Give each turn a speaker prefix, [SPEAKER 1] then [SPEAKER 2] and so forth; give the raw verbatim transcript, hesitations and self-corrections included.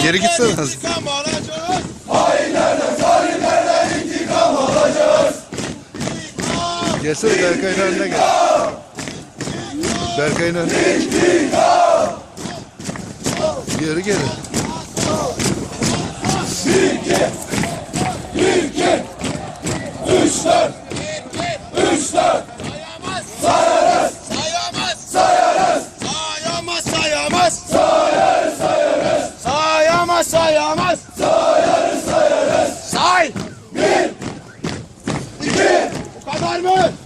[SPEAKER 1] Geri gitsene.
[SPEAKER 2] İntikam alacağız.
[SPEAKER 3] Hainlerden, zalimlerden intikam alacağız.
[SPEAKER 1] Gelsene Berkay'ın önüne gel. Berkay'ın önüne geç. Geri geri.
[SPEAKER 3] Bir iki, bir iki, üç dört, üç dört.
[SPEAKER 2] Sayamaz.
[SPEAKER 3] Sayarız,
[SPEAKER 2] Sayamaz.
[SPEAKER 3] sayarız,
[SPEAKER 2] Sayamaz. Sayamaz.
[SPEAKER 3] sayarız, sayarız,
[SPEAKER 2] Sayamaz. Sayamaz.
[SPEAKER 3] sayarız, sayarız.
[SPEAKER 2] Say.
[SPEAKER 3] Bir, iki,
[SPEAKER 2] Bu kadar mı?